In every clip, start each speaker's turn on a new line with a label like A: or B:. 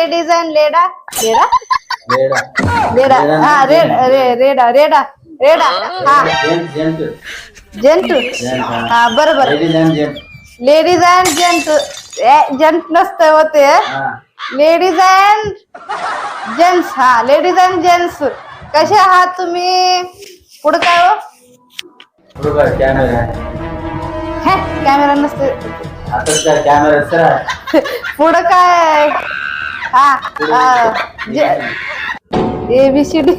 A: Ladies and लेडा लेडा
B: रेडा
A: लेडा हा रेडा रेडा रेडा हा
B: gent
A: gent हा बरोबर
B: ladies and gent
A: ladies and gent gent नसतं होते लेडीज अँड जेंट्स हा लेडीज अँड जेंट्स कसे आहात तुम्ही पुढे काय हो
B: बरोबर कॅमेरा
A: कॅमेरा नसते
B: आता काय कॅमेरा सर
A: पुढं काय हा ABCD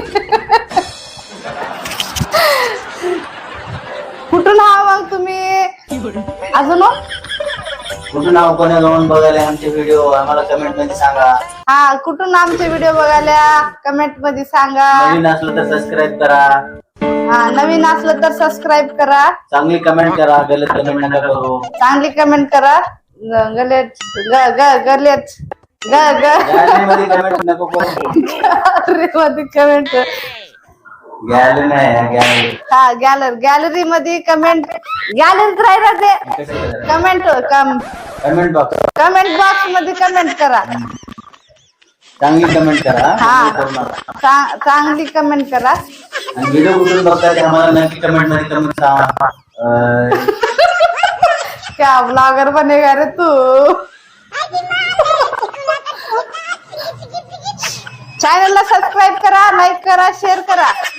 A: कुठून हा मग तुम्ही अजून
B: कुठून नाव कोणा जाऊन बघायला आमचे व्हिडिओ आम्हाला कमेंट मध्ये सांगा.
A: हा कुठून आमचे व्हिडिओ बघायला कमेंट मध्ये सांगा.
B: नवीन असलं तर सबस्क्राईब करा.
A: हा नवीन असलं तर सबस्क्राईब करा.
B: चांगली कमेंट करा. गलत कमेंट नका करू.
A: चांगली कमेंट करा. गलेट गलेट
B: गॅलरी मध्ये कमेंट नको करू.
A: मध्ये कमेंट
B: गॅलरी नाही गॅलरी
A: हा गॅलरी मध्ये कमेंट गॅलरीत राहिला ते कमेंट
B: कमेंट
A: बॉक्स मध्ये कमेंट करा.
B: चांगली कमेंट करा.
A: हा चांगली कमेंट करा.
B: आणि व्हिडिओ कुठून बघता ते आम्हाला नक्की कमेंट मध्ये कमेंट सांगा.
A: क्या ब्लॉगर बनेगा रे तू. चॅनलला सबस्क्राईब करा, लाईक करा, शेअर करा.